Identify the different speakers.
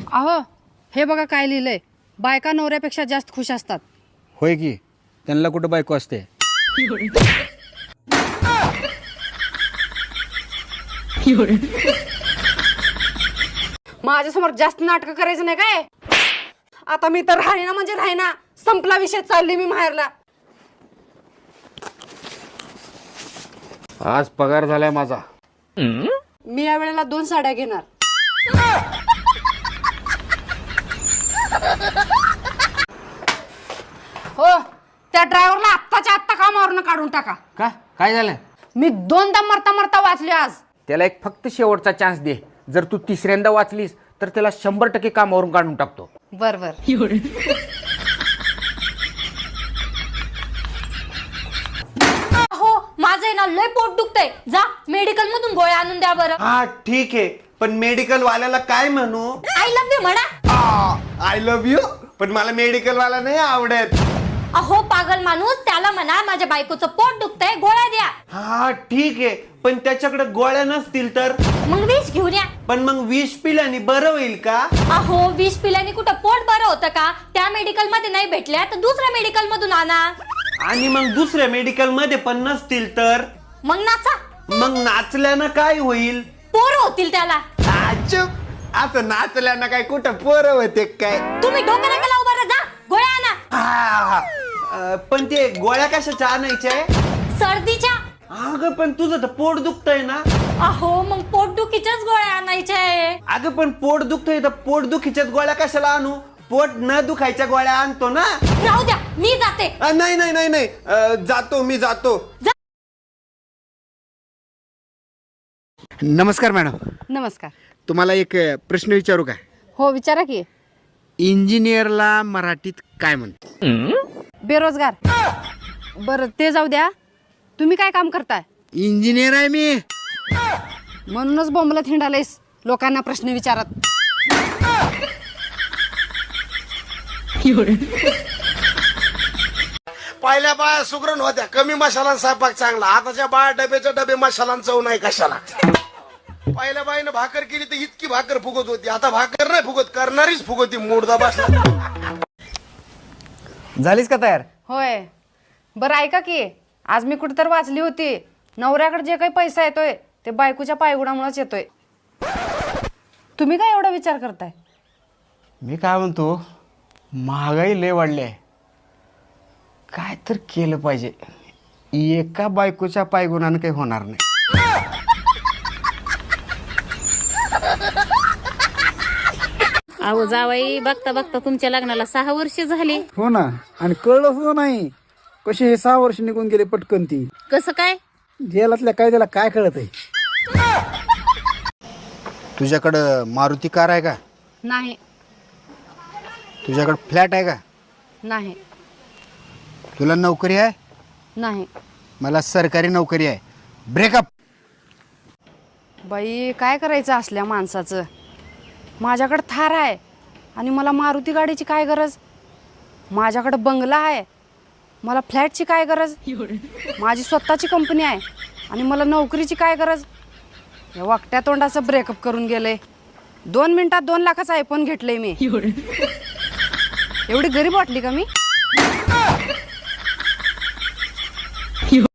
Speaker 1: अहो हे बघा काय लिहिलंय, बायका नवऱ्यापेक्षा जास्त खुश असतात.
Speaker 2: होय की, त्यांना कुठं बायको असते.
Speaker 1: माझ्यासमोर जास्त नाटक करायचं नाही काय. आता मी तर राहीना म्हणजे राहीना, संपला विषय, चालली मी माहेरला.
Speaker 2: आज पगार झालाय माझा.
Speaker 1: मी या वेळेला 2 साड्या घेणार. हो, त्या ड्रायव्हरला आत्ताच्या आत्ता कामावरून काढून टाका.
Speaker 2: का काय झालं?
Speaker 1: मी 2दा मरता मरता वाचले आज.
Speaker 2: त्याला एक फक्त शेवटचा चान्स दे. जर तू तिसऱ्यांदा वाचलीस तर त्याला 100% कामावरून काढून टाकतो.
Speaker 1: बर बर.
Speaker 3: हो माझं ना लय पोट दुखतंय, जा मेडिकल मधून गोळ्या आणून द्या बरं.
Speaker 4: हा ठीक आहे, पण मेडिकल वाल्याला काय म्हणू?
Speaker 3: आय लव्ह यू म्हणा.
Speaker 4: आय लव्ह यू, पण मला मेडिकल वाला नाही आवडत.
Speaker 3: अहो पागल माणूस, त्याला म्हणा माझ्या बायकोचं पोट दुखतंय, गोळ्या द्या.
Speaker 4: हा ठीक आहे, पण त्याच्याकडे गोळ्या नसतील तर?
Speaker 3: मग विष घेऊन या.
Speaker 4: पण मग विष पिल्याने बरं होईल का?
Speaker 3: अहो विष पिल्याने कुठं पोट बरं होतं का? त्या मेडिकल मध्ये नाही भेटल्या तर दुसऱ्या मेडिकल मधून आणा.
Speaker 4: आणि मग दुसऱ्या मेडिकल मध्ये पण नसतील तर?
Speaker 3: मग नाचा.
Speaker 4: मग नाचल्यानं काय होईल?
Speaker 3: पोरं होतील त्याला.
Speaker 4: आता नाचल्यानं काय कुठं पोरं होते काय?
Speaker 3: तुम्ही डोकं नका लावू बरं, जा गोळ्या आणा.
Speaker 4: पण ते गोळ्या कशाच्या आणायच्या?
Speaker 3: सर्दीच्या.
Speaker 4: अगं पण तुझं तर पोट दुखतंय ना.
Speaker 3: अहो मग पोटदुखीच्याच गोळ्या आणायच्या आहे.
Speaker 4: अगं पण पोट दुखतंय तर पोटदुखीच्याच गोळ्या कशाला आणू? पोट न दुखायच्या गोळ्या आणतो ना.
Speaker 3: राहू द्या, मी जाते.
Speaker 4: नाही नाही नाही नाही, जातो मी जातो.
Speaker 2: नमस्कार मॅडम,
Speaker 1: नमस्कार.
Speaker 2: तुम्हाला एक प्रश्न विचारू का?
Speaker 1: हो विचारा की.
Speaker 2: इंजिनियरला मराठीत काय म्हणतो?
Speaker 1: बेरोजगार. बरं ते जाऊ द्या, तुम्ही काय काम करताय?
Speaker 2: इंजिनियर आहे मी.
Speaker 1: म्हणूनच बोंबलत हिंडालेस लोकांना प्रश्न विचारत.
Speaker 5: पहिल्या बाया सुगरण होत्या, कमी मसाला स्वयंपाक चांगला. आताच्या बाया डब्याच्या डबे मसाला चव नाही कशाला. पहिल्या बाईनं भाकर केली तर इतकी भाकर फुगत होती, आता भाकर नाही फुगत, करणारीच फुगती. मुर्दा बसला.
Speaker 2: झालीस का तयार?
Speaker 1: होय. बरं ऐका की, आज मी कुठं तर वाचली होती, नवऱ्याकडे जे काही पैसा येतोय ते बायकोच्या पायगुणामुळेच येतोय. तुम्ही काय एवढा विचार करताय?
Speaker 2: मी काय म्हणतो, महागाई लय वाढली आहे, काय तर केलं पाहिजे. एका बायकोच्या पायगुणानं काही होणार नाही.
Speaker 6: अहो जावाई, बघता बघता तुमच्या लग्नाला 6 वर्ष झाली.
Speaker 7: हो ना, आणि कळलं सुद्धा नाही कसे हे 6 वर्ष निघून गेले पटकन. ती
Speaker 6: कसं काय?
Speaker 7: जेलातल्या कायद्याला काय कळत आहे?
Speaker 2: तुझ्याकडं मारुती कार आहे का?
Speaker 1: नाही.
Speaker 2: तुझ्याकडं फ्लॅट आहे का?
Speaker 1: नाही.
Speaker 2: तुला नोकरी आहे?
Speaker 1: नाही.
Speaker 2: मला सरकारी नोकरी आहे. ब्रेकअप.
Speaker 1: बाई काय करायचं असल्या माणसाचं. माझ्याकडं थार आहे आणि मला मारुती गाडीची काय गरज. माझ्याकडं बंगला आहे, मला फ्लॅटची काय गरज. माझी स्वतःची कंपनी आहे आणि मला नोकरीची काय गरज. या वाकट्या तोंडाचं ब्रेकअप करून गेलंय. 2 मिनिटात 2 लाखाचा आयफोन घेतलंय मी. एवढी गरीब वाटली का मी?